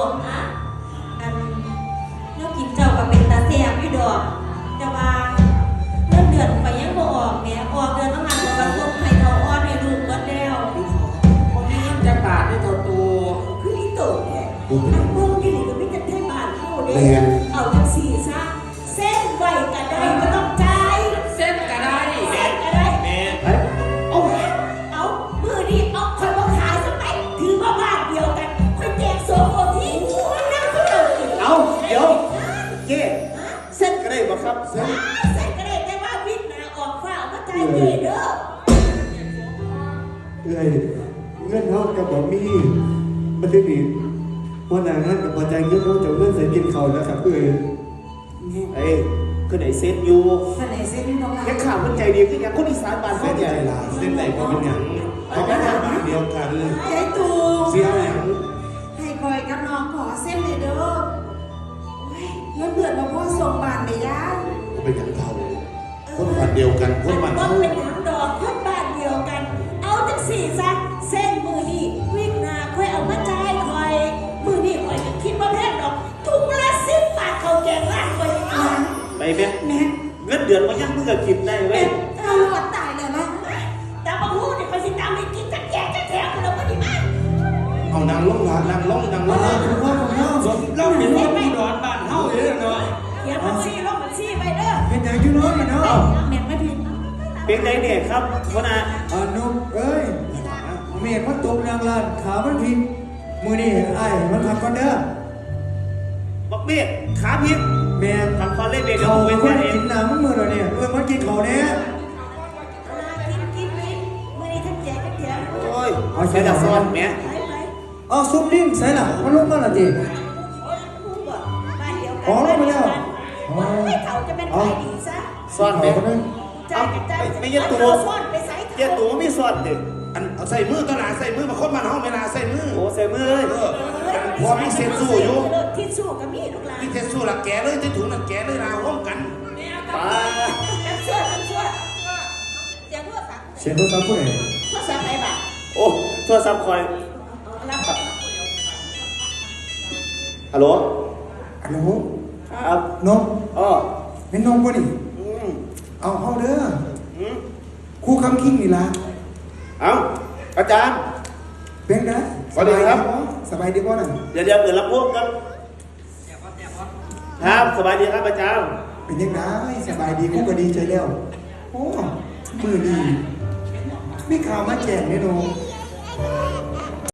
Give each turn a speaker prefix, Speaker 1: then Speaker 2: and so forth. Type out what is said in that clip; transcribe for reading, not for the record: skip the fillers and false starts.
Speaker 1: อะอันนกกินเจ้ากับเป็นตาแสบอยู่ดอกแต่ว่าเงินเดือนไปยังบ่ออกแม่ออกเดือนต้องงานกับกระทบให้เท่าอ้อนให้ลูกหมดแล้ว
Speaker 2: คนนี้จะบาดได้เท่าตัว
Speaker 1: คืออีโตแก่อันพวกนี้ก็ไม่จะแค่บาทเข้าเด้เอาจังสี่ซะเส้นไว้กันได้ก็ต้องจ่าย
Speaker 2: เส้นกระได
Speaker 1: เส้นก็ได้
Speaker 2: แม่
Speaker 1: เอามือนี้เอาคอยมาขายสักไหนถือว่าบ้านเดียวกันคอยแจกโซ่โอทีมันนั่งก็เดิน
Speaker 3: เอาเดี๋ยวเจ๊เส้นก็ได้บ่ครับ
Speaker 1: เส้นก็ได้แต่ว่าวิทย์นาออกฟ้ามาจ่ายเจเด้อ
Speaker 4: เอ้ยเงินเท่ากับบ่มีมันได้ดีวันนั้นนั่นกับพอใจเงินเขาจะเงินใส่กินเขาแล้วครับเอ้ย
Speaker 3: เอ้ยคือไหนเส้นอยู่
Speaker 1: คนไหนเส้นนี่น้อง
Speaker 3: ยังข่าวมันใจดีขึ้นยังคนอีสานบ้านเส้นใหญ่
Speaker 4: ล่ะเส้นไหนก็เป็นอย่างเขาก็ทำบ้านเดียวกัน
Speaker 1: ยายตู
Speaker 4: เสียอย่าง
Speaker 1: ให้คอยกับน้องขอเส้นเลยเด้อเงินเดือนมาพ่อส่งบ้านไปย่า
Speaker 4: ก็เป็นอย่างเขาคนบ้านเดียวกันคนบ้าน
Speaker 1: เขาเป็นอย่างดอกคนบ้านเดียวกันเอาจังสี่ซะเส้นมือนี่วิ่งนาค่อยเอามาจ่ายคอยมือนี่คอยจะคิดว่าแพงดอกถุงละ10 บาทเขาแกงร้านคอย
Speaker 3: ไปแม่เงินเดือนมันยังมึงก็กินได้เว้ย
Speaker 1: เอาหมดตายเลยนะแต่บางหูเนี่ยคอยสิตามไปกินจักแกงจักแถวเราไม่ได้มา
Speaker 4: เอานางล้มนางล้มคุณพ่อ
Speaker 2: เราเป็นคนผู้ดอนบ้านเฮาเด้อเนาะ
Speaker 1: เขียนบัญชีลงบัญชีไปเด้อ
Speaker 4: เป็นอย่างยุ่งเลยเนาะ
Speaker 1: แม่ไม่ผิด
Speaker 3: เป็นไงเนี่ยครับวันน่ะ
Speaker 4: นุ่มเอ้ยเมฆมันตกนางลานขามันพิงมือนี่ไอ้มันทำกันเด้อ
Speaker 3: บอกเมฆขาพิษ
Speaker 4: แม่
Speaker 3: ทำคอนเล่นเบรก
Speaker 4: เขาเป็นคนกินน้ำมันมือเราเนี่ยมันกินเขาเนี่ย
Speaker 1: กินมือนี่ท่านแจกกันเดียว
Speaker 3: โอ้ยเอาใช้ดักซ้อนแม่
Speaker 4: เอาซุปดิ้งใส่หลังมันลงมาละจีอ๋อลงมาแล้ว
Speaker 1: ให้เขาจะเป็นใครดีซะ
Speaker 3: ซ้อนแม่ไม่ยัดตัว
Speaker 1: ซ้อนไปใส่
Speaker 3: ยัดตัวไม่ซ้อนเด็ก
Speaker 2: อันเอาใส่มือตลาดใส่มือมาคนมันห้องเวลาใส่มือ
Speaker 3: โอ้ใส่มือเลย
Speaker 2: พอมีเซ็นสู้อยู่
Speaker 1: ที่สู้กับมีลูกหลาน
Speaker 2: มีเซ็นสู้หลักแกเลยที่ถุงหลักแกเลยลาห้องกัน
Speaker 3: ป้า
Speaker 1: ช่วย
Speaker 4: เสียงโทรศัพท์ผู้ใด
Speaker 1: โทรศัพท์ไหนบ้าง
Speaker 3: โอ้โทรศัพท์คอยฮัลโหลครับ
Speaker 4: นม
Speaker 3: อ๋อ
Speaker 4: เป็นนมป่ะนี่เอาเด้อครูคำคิงนี่ละ
Speaker 3: เอาอาจารย์
Speaker 4: เป็นไง
Speaker 3: สวัสดีครับ
Speaker 4: สบายดีป่ะน่ะ
Speaker 3: เดี๋ยวเปิดรับพวกครับครับสบายดีครับอาจารย์
Speaker 4: เป็นยังไงสบายดีกูก็ดีใจแล้วโอ้มือดีมีข่าวมาแจ้งเนี่ยน้อง